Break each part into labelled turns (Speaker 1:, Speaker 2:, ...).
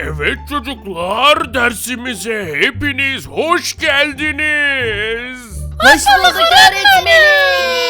Speaker 1: Evet çocuklar, dersimize hepiniz hoş geldiniz.
Speaker 2: Hoş bulduk öğretmenim.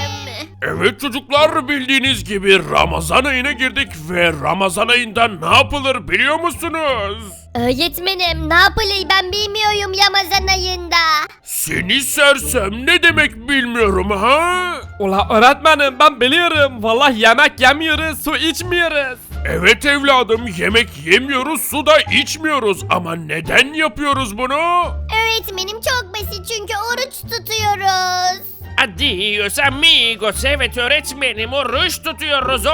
Speaker 1: Evet çocuklar, bildiğiniz gibi Ramazan ayına girdik ve Ramazan ayında ne yapılır biliyor musunuz?
Speaker 2: Öğretmenim ne yapılır ben bilmiyorum Ramazan ayında.
Speaker 1: Seni sersem, ne demek bilmiyorum ha?
Speaker 3: Ula öğretmenim ben biliyorum. Vallahi yemek yemiyoruz, su içmiyoruz.
Speaker 1: Evet evladım, yemek yemiyoruz, su da içmiyoruz ama neden yapıyoruz bunu?
Speaker 2: Öğretmenim çok basit çünkü oruç tutuyoruz.
Speaker 4: Adios amigos, evet öğretmenim, oruç tutuyoruz,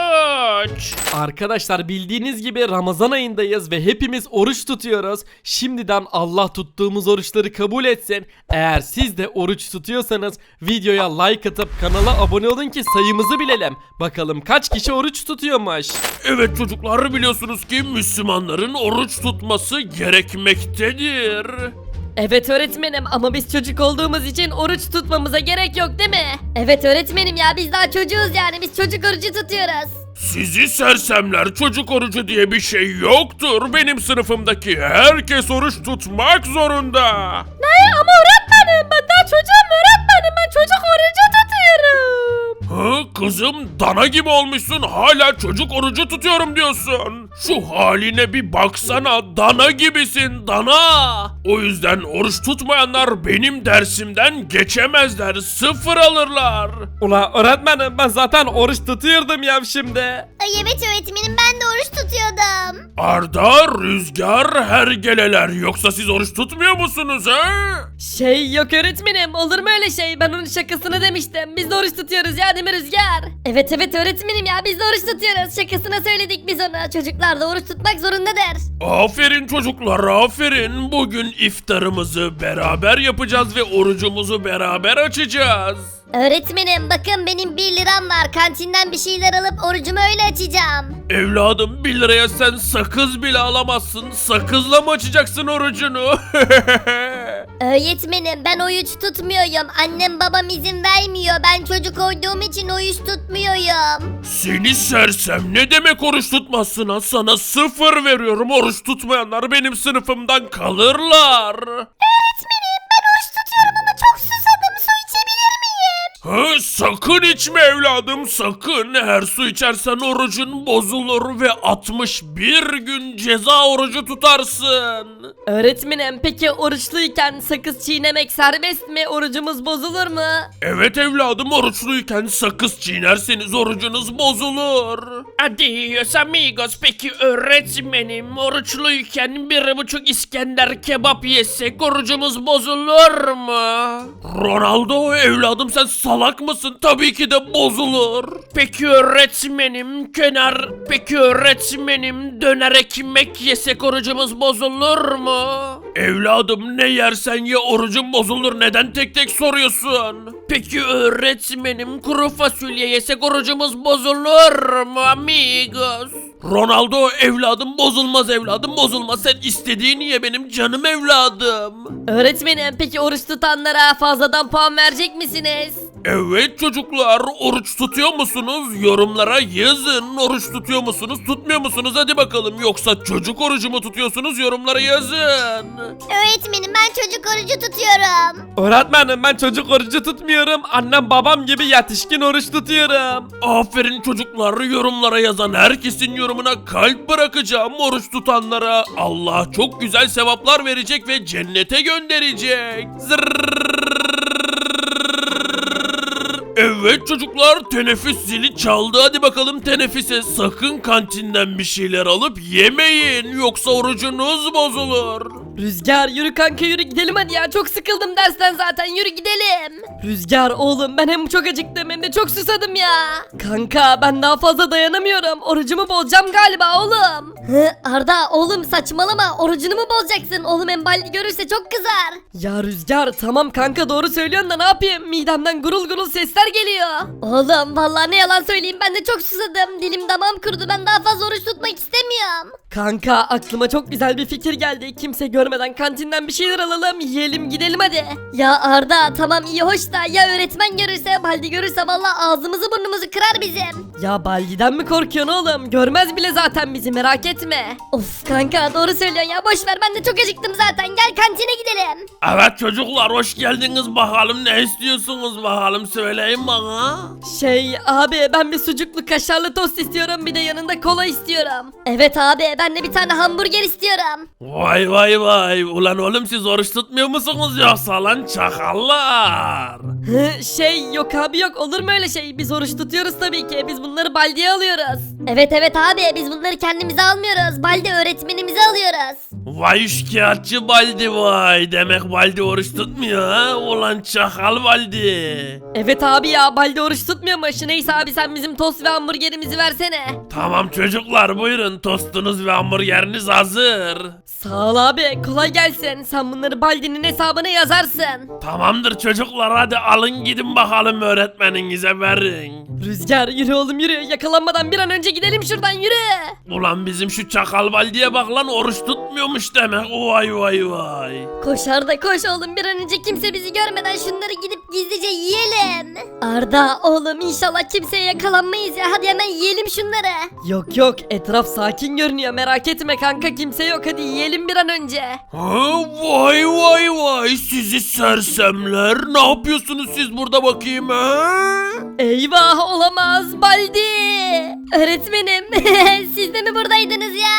Speaker 4: oruç.
Speaker 3: Arkadaşlar bildiğiniz gibi Ramazan ayındayız ve hepimiz oruç tutuyoruz. Şimdiden Allah tuttuğumuz oruçları kabul etsin. Eğer siz de oruç tutuyorsanız videoya like atıp kanala abone olun ki sayımızı bilelim. Bakalım kaç kişi oruç tutuyormuş.
Speaker 1: Evet çocuklar, biliyorsunuz ki Müslümanların oruç tutması gerekmektedir.
Speaker 5: Evet öğretmenim ama biz çocuk olduğumuz için oruç tutmamıza gerek yok değil mi? Evet öğretmenim ya biz daha çocuğuz yani biz çocuk orucu tutuyoruz.
Speaker 1: Sizi sersemler, çocuk orucu diye bir şey yoktur. Benim sınıfımdaki herkes oruç tutmak zorunda.
Speaker 5: Ne ama öğretmenim ben daha çocuğum öğretmenim ben çocuk orucu tutuyorum.
Speaker 1: Ha kızım, dana gibi olmuşsun, hala çocuk orucu tutuyorum diyorsun. Şu haline bir baksana, dana gibisin, dana. O yüzden oruç tutmayanlar benim dersimden geçemezler, 0 alırlar.
Speaker 3: Ula öğretmenim ben zaten oruç tutuyordum ya şimdi.
Speaker 2: Ay evet öğretmenim ben de oruç tutuyordum.
Speaker 1: Arda, Rüzgar, hergeleler, yoksa siz oruç tutmuyor musunuz ha?
Speaker 5: Şey yok öğretmenim olur mu öyle şey ben onun şakasını demiştim biz de oruç tutuyoruz ya değil mi Rüzgar? Evet evet öğretmenim ya biz de oruç tutuyoruz şakasına söyledik biz onu çocuklar da oruç tutmak zorundadır.
Speaker 1: Aferin çocuklar, aferin. Bugün iftarımızı beraber yapacağız ve orucumuzu beraber açacağız.
Speaker 2: Öğretmenim bakın benim 1 liram var kantinden bir şeyler alıp orucumu öyle açacağım.
Speaker 1: Evladım, 1 liraya sen sakız bile alamazsın. Sakızla mı açacaksın orucunu?
Speaker 2: Öğretmenim ben oruç tutmuyorum annem babam izin vermiyor ben çocuk olduğum için oruç tutmuyorum.
Speaker 1: Seni sersem, ne demek oruç tutmazsın ha? Sana 0 veriyorum. Oruç tutmayanlar benim sınıfımdan kalırlar.
Speaker 2: Öğretmenim ben oruç tutuyorum ama çok susadım su içebilir miyim?
Speaker 1: Ha, sakın içme evladım, sakın. Her su içersen orucun bozulur ve 61 gün ceza orucu tutarsın.
Speaker 5: Öğretmenim peki oruçluyken sakız çiğnemek serbest mi orucumuz bozulur mu?
Speaker 1: Evet evladım, oruçluyken sakız çiğnerseniz orucunuz bozulur.
Speaker 4: Adios amigos, peki öğretmenim, oruçluyken 1,5 İskender kebap yesek orucumuz bozulur mu?
Speaker 1: Ronaldo evladım, sen salak mısın? Tabii ki de bozulur.
Speaker 4: Peki öğretmenim, peki öğretmenim, döner ekmek yesek orucumuz bozulur mu?
Speaker 1: Evladım, ne yersen ye orucun bozulur. Neden tek tek soruyorsun?
Speaker 4: Peki öğretmenim, kuru fasulye yesek orucumuz bozulur mu amigos?
Speaker 1: Ronaldo evladım, bozulmaz evladım, bozulmaz. Sen istediğini ye benim canım evladım.
Speaker 5: Öğretmenim peki oruç tutanlara fazladan puan verecek misiniz?
Speaker 1: Evet çocuklar, oruç tutuyor musunuz? Yorumlara yazın. Oruç tutuyor musunuz, tutmuyor musunuz? Hadi bakalım. Yoksa çocuk orucu mu tutuyorsunuz? Yorumlara yazın.
Speaker 2: Öğretmenim ben çocuk orucu tutuyorum.
Speaker 3: Öğretmenim ben çocuk orucu tutmuyorum. Annem babam gibi yetişkin oruç tutuyorum.
Speaker 1: Aferin çocuklar, yorumlara yazan herkesin yorumuna kalp bırakacağım. Oruç tutanlara Allah çok güzel sevaplar verecek ve cennete gönderecek. Evet çocuklar, teneffüs zili çaldı. Hadi bakalım teneffüse. Sakın kantinden bir şeyler alıp yemeyin, yoksa orucunuz bozulur.
Speaker 5: Rüzgar yürü kanka yürü gidelim hadi ya çok sıkıldım dersten zaten yürü gidelim. Rüzgar oğlum ben hem çok acıktım hem de çok susadım ya. Kanka ben daha fazla dayanamıyorum orucumu bozacağım galiba oğlum.
Speaker 2: Arda oğlum saçmalama orucunu mu bozacaksın oğlum Emballi görürse çok kızar.
Speaker 5: Ya Rüzgar tamam kanka doğru söylüyorsun da ne yapayım midemden gurul gurul sesler geliyor.
Speaker 2: Oğlum vallahi ne yalan söyleyeyim ben de çok susadım dilim damağım kurudu ben daha fazla oruç tutmak istemiyorum.
Speaker 5: Kanka aklıma çok güzel bir fikir geldi kimse görmeden görmeden kantinden bir şeyler alalım yiyelim gidelim hadi.
Speaker 2: Ya Arda tamam iyi hoş da ya öğretmen görürse Baldi görürse valla ağzımızı burnumuzu kırar bizim.
Speaker 5: Ya Baldi'den mi korkuyorsun oğlum? Görmez bile zaten bizi merak etme.
Speaker 2: Of kanka doğru söylüyorsun ya boş ver ben de çok acıktım zaten gel kantine gidelim.
Speaker 1: Evet çocuklar hoş geldiniz bakalım ne istiyorsunuz bakalım söyleyin bana.
Speaker 5: Şey abi ben bir sucuklu kaşarlı tost istiyorum bir de yanında kola istiyorum.
Speaker 2: Evet abi ben de bir tane hamburger istiyorum.
Speaker 1: Vay vay vay ulan oğlum siz oruç tutmuyor musunuz yoksa lan çakallar?
Speaker 5: Şey yok abi yok olur mu öyle şey? Biz oruç tutuyoruz tabii ki. Biz bunları Baldi'ye alıyoruz.
Speaker 2: Evet evet abi biz bunları kendimize almıyoruz. Baldi öğretmenimize alıyoruz.
Speaker 1: Vay şikayetçi Baldi vay demek Baldi oruç tutmuyor ha ulan çakal Baldi.
Speaker 5: Evet abi ya Baldi oruç tutmuyormuş. Neyse abi sen bizim tost ve hamburgerimizi versene.
Speaker 1: Tamam çocuklar buyurun tostunuz ve hamburgeriniz hazır.
Speaker 5: Sağ ol abi kolay gelsin. Sen bunları Baldi'nin hesabına yazarsın.
Speaker 1: Tamamdır çocuklar hadi alın gidin bakalım öğretmeninize verin.
Speaker 5: Rüzgar yürü oğlum yürü. Yakalanmadan bir an önce gidelim şuradan yürü.
Speaker 1: Ulan bizim şu çakal Baldi'ye bak lan oruç tutmuyormuş demek vay vay vay.
Speaker 2: Koş Arda koş oğlum bir an önce kimse bizi görmeden şunları gidip gizlice yiyelim. Arda oğlum inşallah kimseye yakalanmayız ya hadi hemen yiyelim şunları.
Speaker 5: Yok yok etraf sakin görünüyor merak etme kanka kimse yok hadi yiyelim bir an önce.
Speaker 1: Ha, vay vay vay sizi sersemler ne yapıyorsunuz siz burada bakayım ha?
Speaker 5: Eyvah olamaz Baldi.
Speaker 2: Öğretmenim siz de mi buradaydınız ya?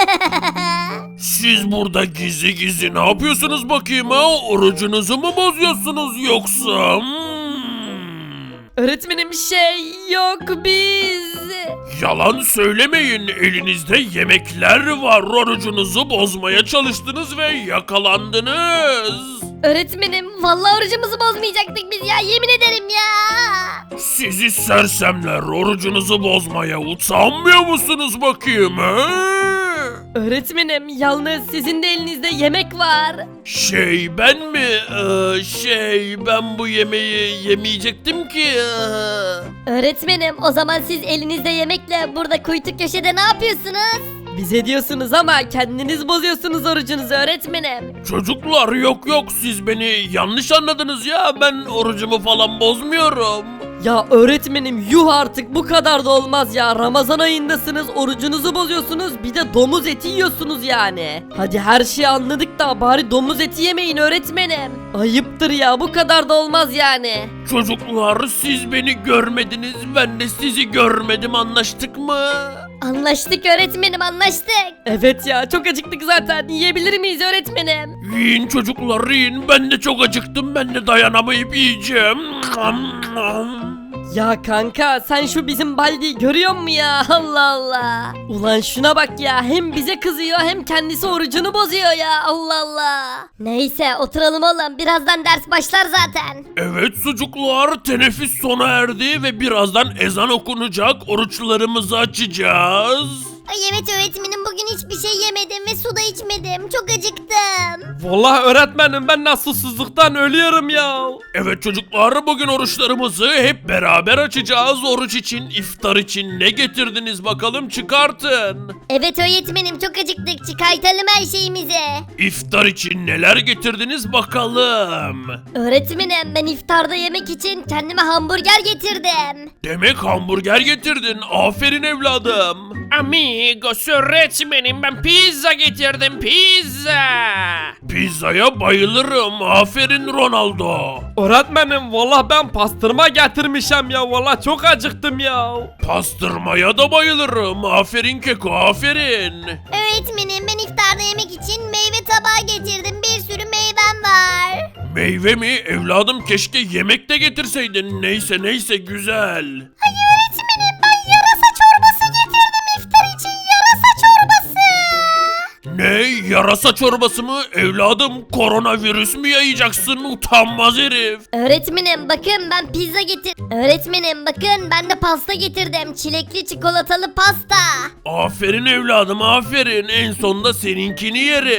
Speaker 1: Siz burada gizli gizli ne yapıyorsunuz bakayım ha? Orucunuzu mu bozuyorsunuz yoksa?
Speaker 5: Öğretmenim şey yok biz.
Speaker 1: Yalan söylemeyin elinizde yemekler var orucunuzu bozmaya çalıştınız ve yakalandınız.
Speaker 2: Öğretmenim vallahi orucumuzu bozmayacaktık biz ya yemin ederim ya.
Speaker 1: Sizi sersemler orucunuzu bozmaya utanmıyor musunuz bakayım ha?
Speaker 5: Öğretmenim yalnız sizin de elinizde yemek var.
Speaker 1: Ben mi? Ben bu yemeği yemeyecektim ki.
Speaker 2: Öğretmenim o zaman siz elinizde yemekle burada kuytu köşede ne yapıyorsunuz?
Speaker 5: Bize diyorsunuz ama kendiniz bozuyorsunuz orucunuzu öğretmenim.
Speaker 1: Çocuklar yok siz beni yanlış anladınız ya ben orucumu falan bozmuyorum.
Speaker 5: Ya öğretmenim yuh artık bu kadar da olmaz ya. Ramazan ayındasınız orucunuzu bozuyorsunuz bir de domuz eti yiyorsunuz yani. Hadi her şeyi anladık da bari domuz eti yemeyin öğretmenim. Ayıptır ya bu kadar da olmaz yani.
Speaker 1: Çocuklar siz beni görmediniz ben de sizi görmedim anlaştık mı?
Speaker 2: Anlaştık öğretmenim anlaştık.
Speaker 5: Evet ya çok acıktık zaten yiyebilir miyiz öğretmenim?
Speaker 1: Yiyin çocuklar yiyin ben de çok acıktım ben de dayanamayıp yiyeceğim.
Speaker 5: Ya kanka sen şu bizim Baldi'yi görüyor musun ya Allah Allah. Ulan şuna bak ya hem bize kızıyor hem kendisi orucunu bozuyor ya Allah Allah.
Speaker 2: Neyse oturalım oğlum birazdan ders başlar zaten.
Speaker 1: Evet çocuklar teneffüs sona erdi ve birazdan ezan okunacak oruçlarımızı açacağız.
Speaker 2: Ay evet öğretmenim bugün hiçbir şey yemedim ve su da içmedim. Çok acıktım.
Speaker 3: Vallahi öğretmenim ben nasıl susuzluktan ölüyorum ya.
Speaker 1: Evet çocuklar bugün oruçlarımızı hep beraber açacağız. Oruç için iftar için ne getirdiniz bakalım çıkartın.
Speaker 2: Evet öğretmenim çok acıktık. Çıkartalım her şeyimizi.
Speaker 1: İftar için neler getirdiniz bakalım.
Speaker 2: Öğretmenim ben iftarda yemek için kendime hamburger getirdim.
Speaker 1: Demek hamburger getirdin. Aferin evladım.
Speaker 4: Amigos öğretmenim ben pizza getirdim pizza.
Speaker 1: Pizzaya bayılırım. Aferin Ronaldo.
Speaker 3: Öğretmenim vallahi ben pastırma getirmişim ya vallahi çok acıktım ya.
Speaker 1: Pastırmaya da bayılırım. Aferin Keko aferin.
Speaker 2: Öğretmenim ben iftarda yemek için meyve tabağı getirdim. Bir sürü meyvem var.
Speaker 1: Meyve mi? Evladım keşke yemek de getirseydin. Neyse güzel.
Speaker 2: Ay öğretmenim ben yarasa çorbası getirdim iftar için yarasa çorbası.
Speaker 1: Ne? Yarasa çorbası mı? Evladım koronavirüs mü yayacaksın? Utanmaz herif.
Speaker 2: Öğretmenim bakın ben pizza getir. Öğretmenim bakın ben de pasta getirdim. Çilekli çikolatalı pasta.
Speaker 1: Aferin evladım aferin. En sonunda seninkini yeriz.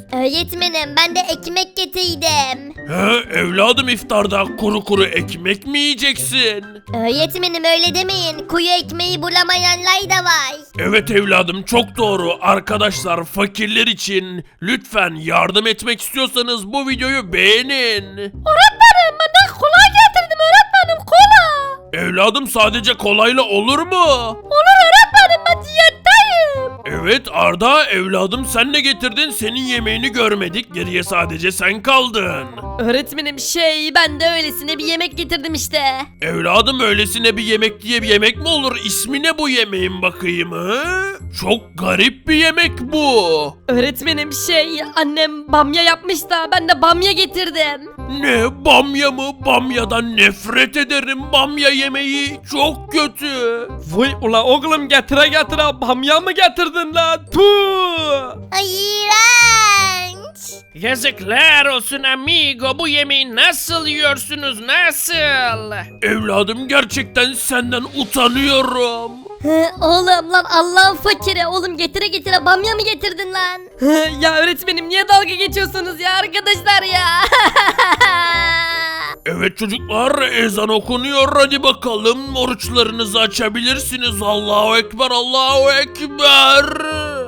Speaker 2: Öğretmenim ben de ekmek getirdim.
Speaker 1: He evladım, iftarda kuru kuru ekmek mi yiyeceksin?
Speaker 2: Öğretmenim öyle demeyin. Kuyu ekmeği bulamayanlar da var.
Speaker 1: Evet evladım, çok doğru. Arkadaşlar, fakirler için lütfen yardım etmek istiyorsanız bu videoyu beğenin.
Speaker 5: Öğretmenim ben de kola getirdim öğretmenim kola.
Speaker 1: Evladım, sadece kolayla olur mu?
Speaker 5: Olur öğretmenim ben diyetteyim.
Speaker 1: Evet Arda evladım, sen ne getirdin? Senin yemeğini görmedik. Geriye sadece sen kaldın.
Speaker 5: Öğretmenim ben de öylesine bir yemek getirdim işte.
Speaker 1: Evladım, öylesine bir yemek diye bir yemek mi olur? İsmi ne bu yemeğin bakayım hı? Çok garip bir yemek bu.
Speaker 5: Öğretmenim annem bamya yapmış da ben de bamya getirdim.
Speaker 1: Ne, bamya mı? Bamyadan nefret ederim. Bamya yemeği çok kötü.
Speaker 3: Vay ula oğlum, getire getire bamya mı getirdin lan? Puh!
Speaker 2: Ay iğrenç.
Speaker 4: Yazıklar olsun amigo, bu yemeği nasıl yiyorsunuz, nasıl?
Speaker 1: Evladım, gerçekten senden utanıyorum.
Speaker 2: Oğlum lan Allah'ın fakiri. Oğlum getire getire bamya mı getirdin lan?
Speaker 5: Ya öğretmenim niye dalga geçiyorsunuz ya arkadaşlar ya?
Speaker 1: Evet çocuklar, ezan okunuyor. Hadi bakalım, oruçlarınızı açabilirsiniz. Allahu Ekber, Allahu Ekber.